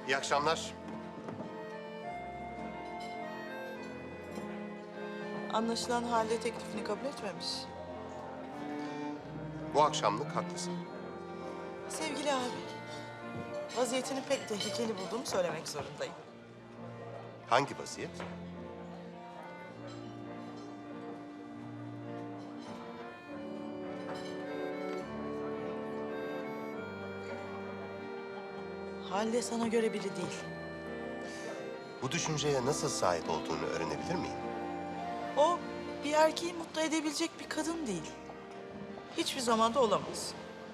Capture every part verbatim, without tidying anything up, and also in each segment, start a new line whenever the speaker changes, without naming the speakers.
İyi akşamlar.
Anlaşılan Halide teklifini kabul etmemiş.
Bu akşamlık haklısın.
Sevgili abi, vaziyetini pek tehlikeli bulduğumu söylemek zorundayım.
Hangi vaziyet?
Halide sana göre biri değil.
Bu düşünceye nasıl sahip olduğunu öğrenebilir miyim?
O bir erkeği mutlu edebilecek bir kadın değil. Hiçbir zamanda olamaz.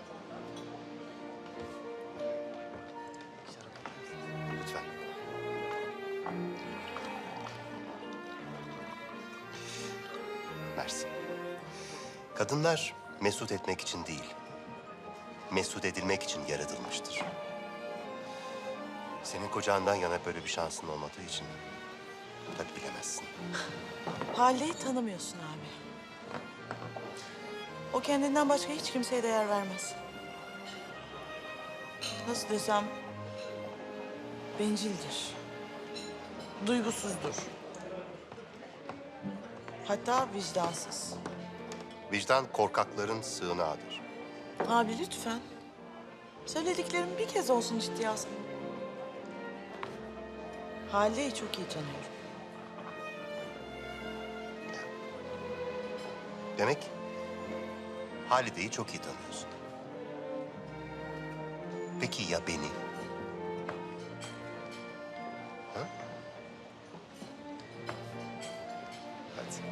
Lütfen. Mersi. Kadınlar mesut etmek için değil, mesut edilmek için yaratılmıştır. Senin kocandan yana böyle bir şansın olmadığı için tabii bilemezsin.
Halide'yi tanımıyorsun abi. O kendinden başka hiç kimseye değer vermez. Nasıl desem, bencildir. Duygusuzdur. Hatta vicdansız.
Vicdan korkakların sığınağıdır.
Abi lütfen. Söylediklerimi bir kez olsun ciddiye alsana. Halide'yi çok iyi tanıyorum.
Demek Halide'yi çok iyi tanıyorsun. Peki ya beni? Ha? Hadi.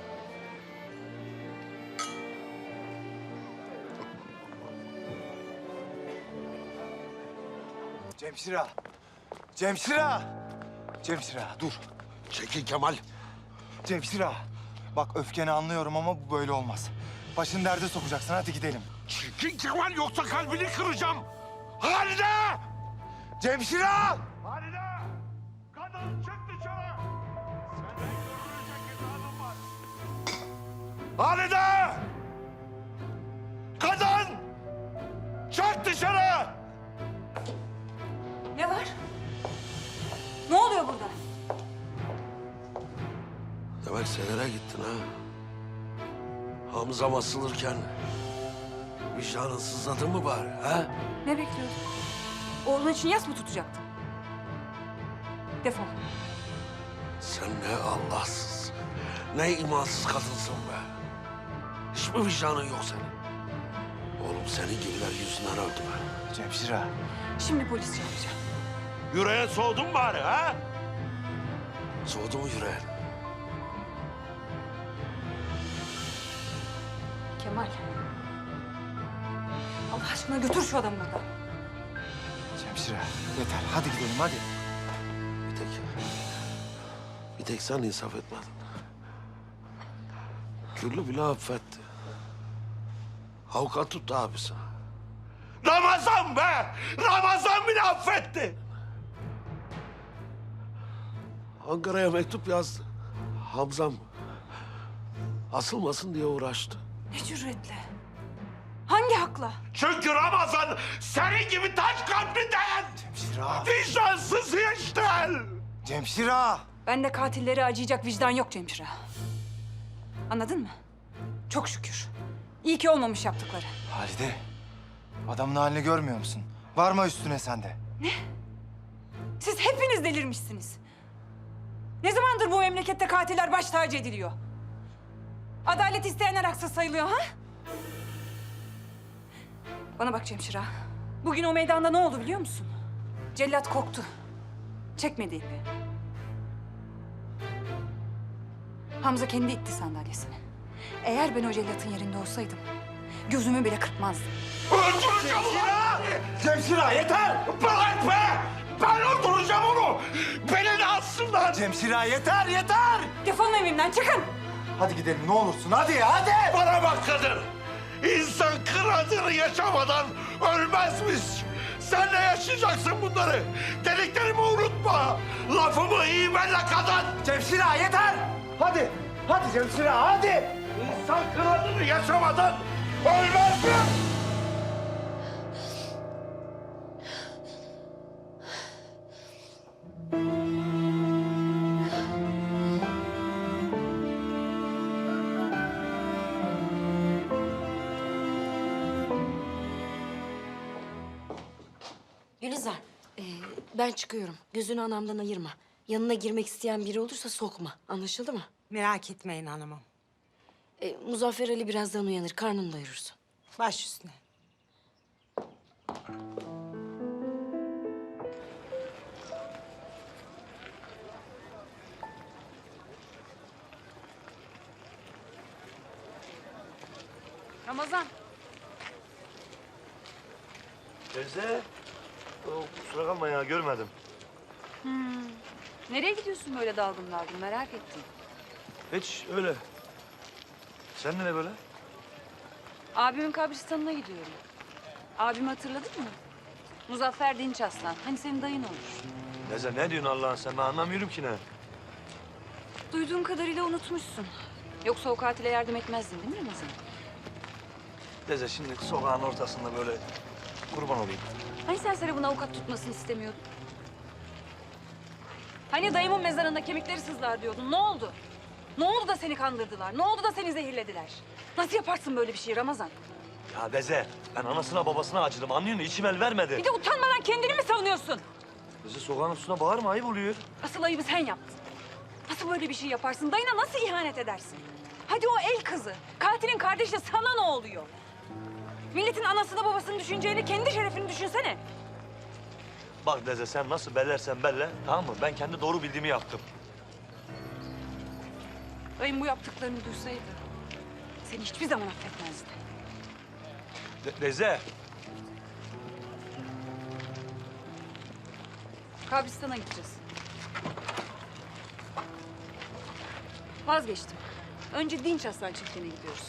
Cemşira! Cemşira! Cemşira dur.
Çekil Kemal.
Cemşira! Bak öfkeni anlıyorum ama bu böyle olmaz. Başını derde sokacaksın, hadi gidelim.
Çekil Kemal yoksa kalbini kıracağım. Halide!
Cemşira!
Halide! Kadın çık dışarı! Senden görülecek hesabım var. Halide! Kadın! Çık dışarı!
Ne var? Ne oluyor burada?
Demek senere gittin ha? Hamza basılırken vicdanın sızladı mı bari ha?
Ne bekliyordun? Oğlun için yas mı tutacaktın? Defol.
Sen ne Allahsız, ne imansız kadınsın be. Hiç mi vicdanın yok senin? Oğlum senin gibiler yüzünden öldü be.
Cemşira!
Şimdi polis çağıracağım.
Yüreğe soğudun bari ha?
Soğudu mu yüreğin?
Kemal. Allah aşkına götür şu adamı buradan.
Cemşira yeter, hadi gidelim hadi.
Bir tek, bir tek sen insaf etmedin. Güllü bile affetti. Avukat tuttu abisi.
Ramazan be! Ramazan bile affetti!
Ankara'ya mektup yazdı. Hamzam asılmasın diye uğraştı.
Ne cüretle? Hangi hakla?
Çünkü Ramazan senin gibi taş kalplinden!
Cemşira!
Vicdansız işler!
Cemşira!
Bende katilleri acıyacak vicdan yok Cemşira. Anladın mı? Çok şükür. İyi ki olmamış yaptıkları.
Halide, adamın halini görmüyor musun? Varma üstüne sen de.
Siz hepiniz delirmişsiniz. Ne zamandır bu memlekette katiller baş tacı ediliyor? Adalet isteyenler haksız sayılıyor ha? Bana bak Cemşira. Bugün o meydanda ne oldu biliyor musun? Cellat korktu. Çekmedi ipi. Hamza kendi itti sandalyesini. Eğer ben o cellatın yerinde olsaydım gözümü bile kırpmazdım.
Öldüreceğim ulan!
Cemşira yeter!
Bırak be! Ben öldüreceğim onu! Beni de assınlar!
Cemşira yeter, yeter!
Defolun evimden çıkın.
Hadi gidelim ne olursun, hadi, hadi!
Bana bak kadın! İnsan kıradını yaşamadan ölmezmiş! Sen de yaşayacaksın bunları! Dediklerimi unutma! Lafımı iyi benle kadın!
Cemşira yeter! Hadi, hadi Cemşira, hadi!
İnsan kıradını yaşamadan ölmez mi?
Gülizar, ee, ben çıkıyorum. Gözünü anamdan ayırma. Yanına girmek isteyen biri olursa sokma. Anlaşıldı mı?
Merak etmeyin hanımım.
Ee, Muzaffer Ali birazdan uyanır. Karnını doyurursun.
Baş üstüne.
Ramazan.
Teyze, o, kusura kalma ya görmedim.
Nereye gidiyorsun böyle dalgın dalgın merak ettim.
Hiç öyle. Sen ne böyle?
Abimin kabristanına gidiyorum. Abimi hatırladın mı? Muzaffer Dinç Aslan. Hani senin dayın olur.
Teyze ne diyorsun Allah'ın sen? Ben anlamıyorum ki ne.
Duyduğum kadarıyla unutmuşsun. Yoksa o katile yardım etmezdin değil mi Ramazan?
Teyze şimdi sokağın ortasında böyle kurban olayım.
Hani sen Serap'ın avukat tutmasını istemiyordun? Hani dayımın mezarında kemikleri sızlar diyordun. Ne oldu? Ne oldu da seni kandırdılar? Ne oldu da seni zehirlediler? Nasıl yaparsın böyle bir şey Ramazan?
Ya Teyze, ben anasına babasına acıdım anlıyor musun? İçim el vermedi.
Bir de utanmadan kendini mi savunuyorsun?
Teyze sokağın üstüne bağırma ayıp oluyor.
Asıl ayıbı sen yaptın. Nasıl böyle bir şey yaparsın? Dayına nasıl ihanet edersin? Hadi o el kızı. Katilin kardeşi de sana ne oluyor? Milletin anasını babasını düşüneceğini kendi şerefini düşünsene.
Bak Teyze sen nasıl bellersen belle tamam mı? Ben kendi doğru bildiğimi yaptım.
Dayım bu yaptıklarını duysaydı seni hiçbir zaman affetmezdi.
Te- Teyze.
Kabristan'a gideceğiz. Vazgeçtim. Önce Dinç Aslan çiftliğine gidiyoruz.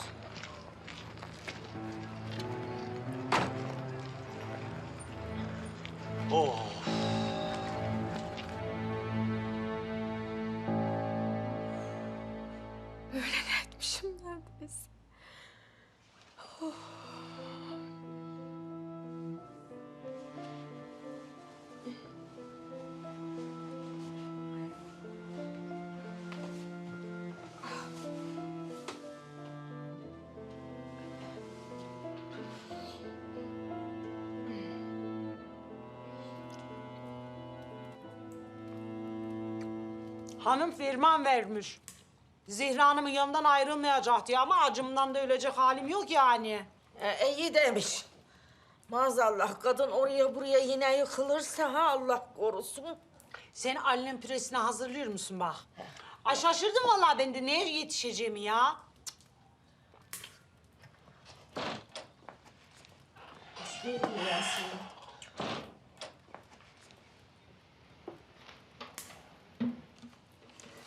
Oh.
Etmişim neredeyse.
Hanım ferman vermiş. Zehra Hanım'ın yanından ayrılmayacak diye ama acımdan da ölecek halim yok yani.
E, iyi demiş. Maazallah kadın oraya buraya yine yıkılırsa ha Allah korusun.
Sen Ali'nin püresini hazırlıyor musun bak? Ay şaşırdım vallahi ben de neye yetişeceğimi ya.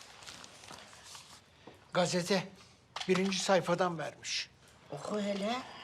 Gazete birinci sayfadan vermiş.
Oku hele.